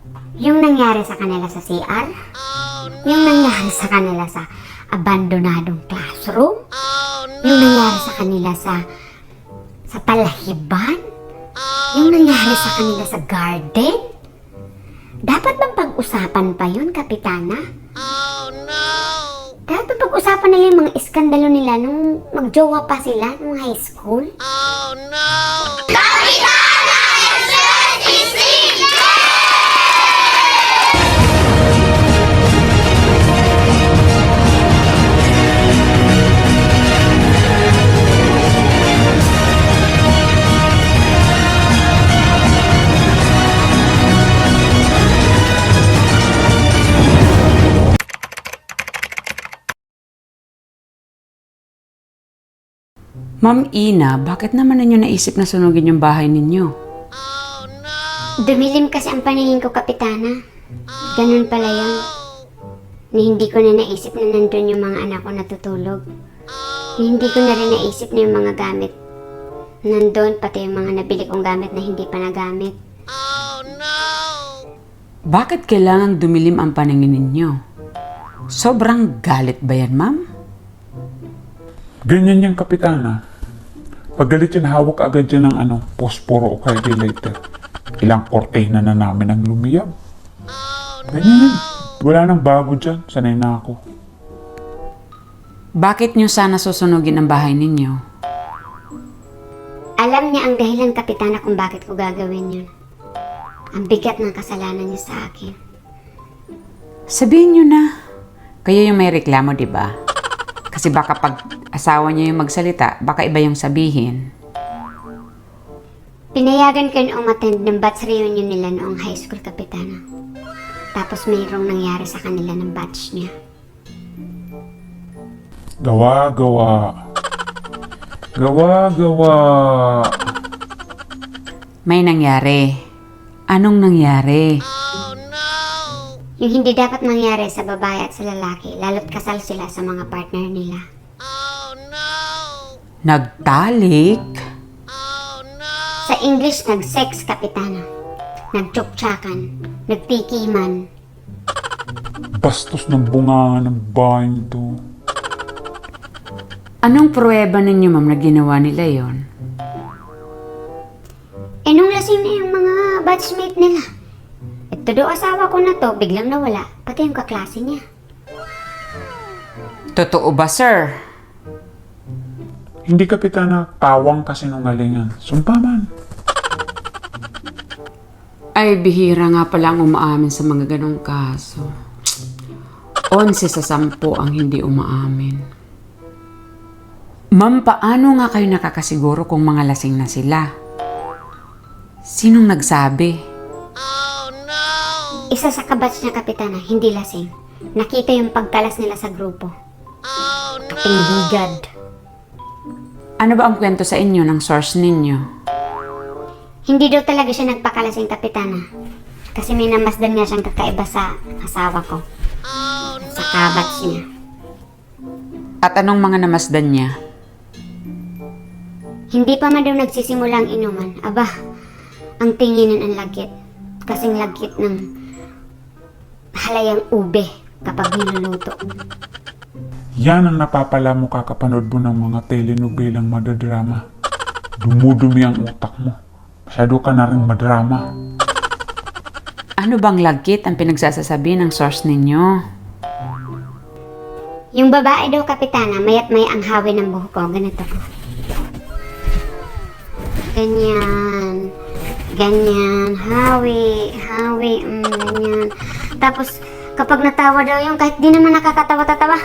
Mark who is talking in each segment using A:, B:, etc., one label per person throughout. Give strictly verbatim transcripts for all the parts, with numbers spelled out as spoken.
A: Yung nangyari sa kanila sa C R? Yung nangyari sa kanila sa abandonadong classroom? Yung nangyari sa kanila sa sa palahiban? Yung nangyari sa kanila sa garden? Dapat bang pag-usapan pa yun, Kapitana? Dapat bang pag-usapan nila yung mga iskandalo nila nung magjowa pa sila nung high school?
B: Ma'am Ina, bakit naman ninyo naisip na sunugin yung bahay ninyo?
A: Dumilim kasi ang paningin ko, Kapitana. Ganun pala yun. Na hindi ko na naisip na nandun yung mga anak ko natutulog. Na hindi ko na rin naisip na yung mga gamit. Nandun, pati yung mga nabili kong gamit na hindi pa nagamit.
B: Bakit kailangang dumilim ang paningin ninyo? Sobrang galit ba yan, ma'am?
C: Ganyan yung Kapitana. Pag galit yan, hawak agad yan ng ano, posporo o kaya lighter. Ilang kortena na namin ang lumiyab. Ganyan yan. Wala nang bago dyan. Sanay na ako.
B: Bakit nyo sana susunugin ang bahay ninyo?
A: Alam niya ang dahilan, Kapitana, kung bakit ko gagawin yun. Ang bigat ng kasalanan niya sa akin.
B: Sabihin nyo na. Kayo yung may reklamo, di ba? Kasi baka pag asawa niya yung magsalita, baka iba yung sabihin.
A: Pinayagan ko yung umattend ng batch reunion nila noong high school, Kapitana. Tapos mayroong nangyari sa kanila ng batch niya.
C: Gawa, gawa. Gawa, gawa.
B: May nangyari. Anong nangyari?
A: Yung hindi dapat mangyari sa babae at sa lalaki, lalo't kasal sila sa mga partner nila.
B: Nagtalik?
A: Sa English, nag-sex, Kapitana. Nagtsuktsakan. Nagtikiman.
C: Bastos ng bunga ng bahay nito.
B: Anong pruweba ninyo, ma'am, na ginawa nila yon?
A: Eh, nung lasing na yung mga batchmate nila. Ito daw asawa ko na to, biglang nawala. Pati yung kaklase niya.
B: Totoo ba, sir?
C: Hindi Kapitana, tawang kasinungalingan. Sumpaman.
B: Ay, bihira nga pala ang umaamin sa mga ganong kaso. Onse sa sampo ang hindi umaamin. Ma'am, paano nga kayo nakakasiguro kung mga lasing na sila? Sinong nagsabi?
A: Isa sa kabatch niya, Kapitana, hindi lasing. Nakita yung pagkalas nila sa grupo. Kaping higad.
B: Ano ba ang kwento sa inyo ng source ninyo?
A: Hindi daw talaga siya nagpakalasing, Kapitana. Kasi may namasdan nga siyang kakaiba sa asawa ko. Sa kabatch niya.
B: At anong mga namasdan niya?
A: Hindi pa man daw nagsisimula ang inuman. Aba, ang tinginan ang lagkit. Kasing lagkit ng halayang ube kapag niluluto.
C: Yan ang napapala mo kakapanood mo ng mga telenovelang madadrama. Dumudumi ang utak mo. Masyado ka na rin madrama.
B: Ano bang lagkit ang pinagsasasabi ng source ninyo?
A: Yung babae daw, Kapitana, mayat may ang hawi ng buhok ko. Ganito. Ganyan. Ganyan. Hawi. Hawi. Mm, ganyan. Tapos, kapag natawa daw yung kahit di naman nakakatawa-tatawa.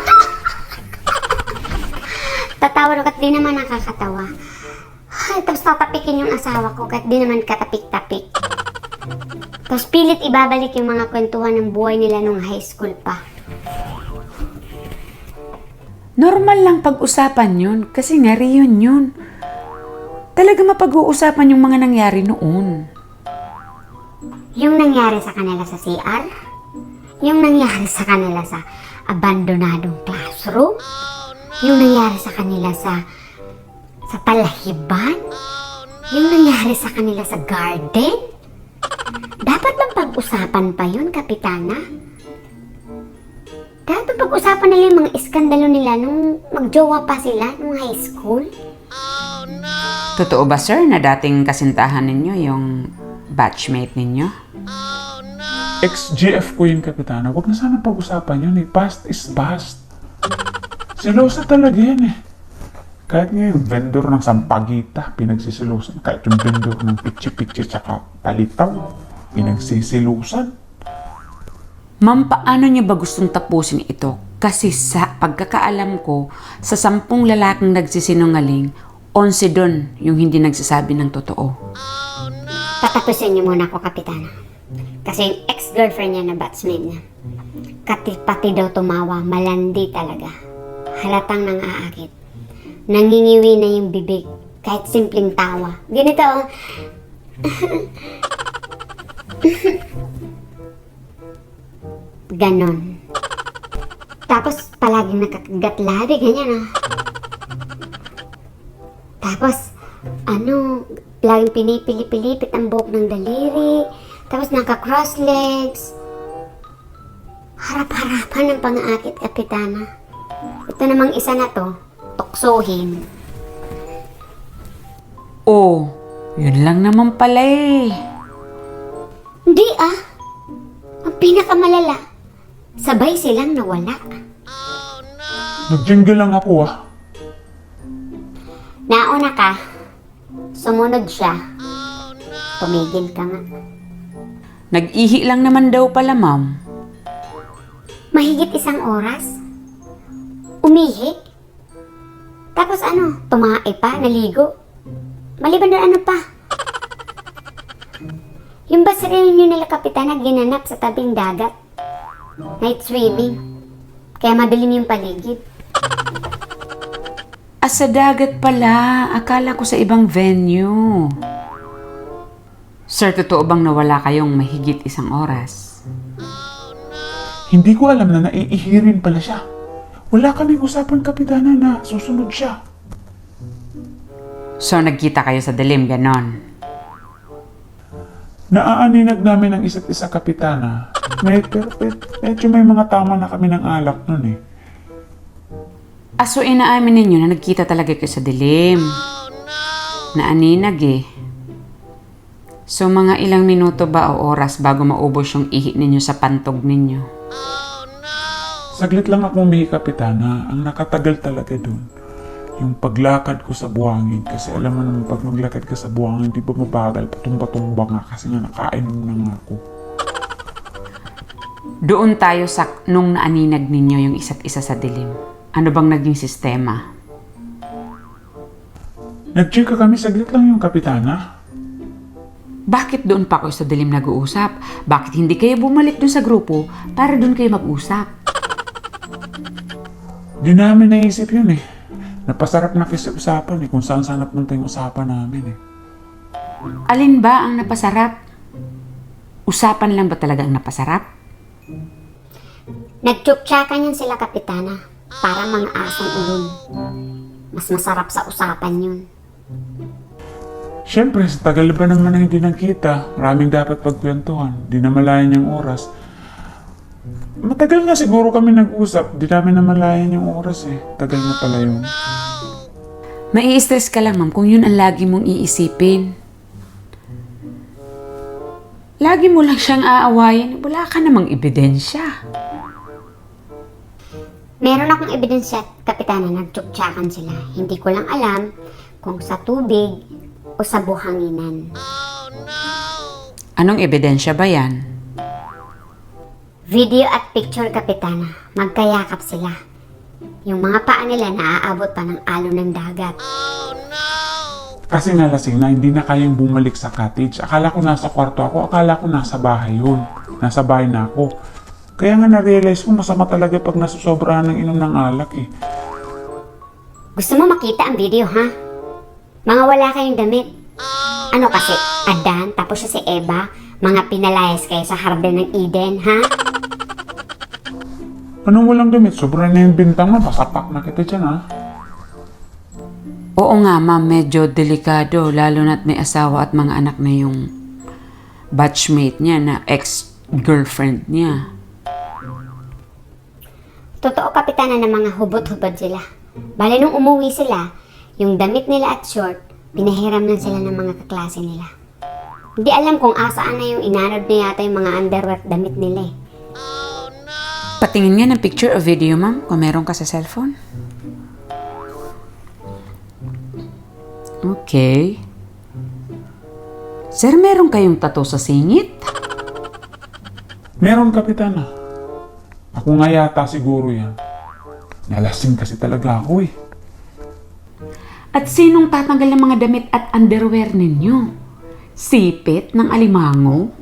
A: Tatawa daw kahit di naman nakakatawa. Ay, tapos tatapikin yung asawa ko kahit di naman katapik-tapik. Tapos pilit ibabalik yung mga kwentuhan ng buhay nila nung high school pa.
B: Normal lang pag-usapan yun kasi nga reunion yun. Talaga mapag-uusapan yung mga nangyari noon.
A: Yung nangyari sa kanila sa C R? Yung nangyari sa kanila sa abandonadong classroom? Yung nangyari sa kanila sa sa palahiban? Yung nangyari sa kanila sa garden? Dapat bang pag-usapan pa yun, Kapitana? Dapat bang pag-usapan nila yung mga iskandalo nila nung magjowa pa sila nung high school?
B: Totoo ba, sir, na dating kasintahan ninyo yung batchmate ninyo?
C: Ex-G F ko yun, Kapitana. Huwag na sana pag-usapan yun eh. Past is past. Silosa talaga yan eh. Kahit nga yung vendor ng sampagita, pinagsisilusan. Kahit yung vendor ng pitchi-pitchi tsaka palitaw, pinagsisilusan.
B: Ma'am, paano niyo ba gustong tapusin ito? Kasi sa pagkakaalam ko, sa sampung lalaking nagsisinungaling, onse doon yung hindi nagsasabi ng totoo.
A: Patapusin niyo muna ako, Kapitana. Kasi yung ex-girlfriend niya na batchmate niya, kati pati daw tumawa, malandi talaga. Halatang nang aakit. Nangingiwi na yung bibig, kahit simpleng tawa. Ganito, oh. Ganon. Tapos, palaging nakakagat labi, ganyan, oh. Tapos, ano, laging pinipili-pilipit ang buhok ng daliri. Tapos, naka-cross legs. Harap-harapan ng pang-aakit, Kapitana. Ito namang isa na to, tuksohin.
B: Oh, yun lang naman pala eh.
A: Hindi ah. Ang pinakamalala, sabay silang nawala.
C: Nag-jingle lang ako ah.
A: Nauna ka, sumunod siya. Tumigil ka nga.
B: Nag-ihi lang naman daw pala, ma'am.
A: Mahigit isang oras. Umihi. Tapos ano, tumae pa, naligo. Maliban na ano pa. Yung bus reunion nila, Kapitana, ginanap sa tabing dagat. Night swimming. Kaya madilim yung paligid.
B: Ah, sa dagat pala. Akala ko sa ibang venue. Sir, totoo bang nawala kayong mahigit isang oras?
C: Hindi ko alam na naiihirin pala siya. Wala kaming usapan, Kapitana, na susunod siya.
B: So, nagkita kayo sa dilim, ganon.
C: Naaaninag namin ang isa't isa, Kapitana. Med, pero med, medyo may mga tama na kami ng alak nun eh.
B: Ah, so inaamin ninyo na nagkita talaga kayo sa dilim. Naaninag eh. So, mga ilang minuto ba o oras bago maubos yung ihi ninyo sa pantog ninyo?
C: Saglit lang ako umihi, Kapitana. Ang nakatagal talaga dun, yung paglakad ko sa buhangin. Kasi alam mo naman, pag maglakad ka sa buhangin, di ba mabagal, patumba-tumba nga kasi nga nakainom na nga ako.
B: Doon tayo sa nung naaninag ninyo yung isa't isa sa dilim. Ano bang naging sistema?
C: Nag-check kami, saglit lang yung, Kapitana.
B: Bakit doon pa kayo sa dilim nag-uusap? Bakit hindi kayo bumalik doon sa grupo para doon kayo mag-usap?
C: Di namin naisip yun eh. Napasarap na kasi usapan eh, kung saan saan napunta yung usapan namin eh.
B: Alin ba ang napasarap? Usapan lang ba talaga ang napasarap?
A: Nagtsuktsakan yun sila, Kapitana. Para mga asong ulol. Mas masarap sa usapan yun.
C: Siyempre, sa tagal ba naman na hindi nagkita, maraming dapat pagkwentuhan, di namalayan yung oras. Matagal na siguro kami nag-usap, di namin namalayan yung oras eh. Tagal na pala yun.
B: Mai-stress ka lang, ma'am, kung yun ang lagi mong iisipin. Lagi mo lang siyang aawayin, wala ka namang ebidensya.
A: Meron akong ebidensya, Kapitana, nagtsuktsakan sila. Hindi ko lang alam kung sa tubig o sa buhanginan.
B: Anong ebidensya ba yan?
A: Video at picture, Kapitana. Magkayakap sila. Yung mga paa nila naaabot pa ng alon ng dagat.
C: Kasi nalasing na, hindi na kayang bumalik sa cottage. Akala ko nasa kwarto ako, akala ko nasa bahay yun. Nasa bahay na ako. Kaya nga na-realize ko, masama talaga pag nasusobrahan ng inom ng alak eh.
A: Gusto mo makita ang video, ha? Mga wala kayong damit. Ano kasi, Adan, tapos siya si Eva, mga pinalayas kayo sa Harden ng Eden, ha?
C: Anong walang damit? Sobra na yung bintang mo, pasapak na kita dyan ha.
B: Oo nga, ma'am, medyo delikado, lalo na't may asawa at mga anak na yung batchmate niya na ex-girlfriend niya.
A: Totoo, Kapitana, na mga hubot-hubad sila. Bale, nung umuwi sila, yung damit nila at short, pinahiram lang sila ng mga kaklase nila. Hindi alam kung asaan na yung inanod na yata yung mga underwear at damit nila eh.
B: Patingin nga ng picture o video, ma'am, kung meron ka sa cellphone. Okay. Sir, meron kayong tattoo sa singit?
C: Meron, Kapitana. Ako nga yata siguro yan. Nalasing kasi talaga ako eh.
B: At sinong tatanggal ng mga damit at underwear ninyo? Sipit ng alimango?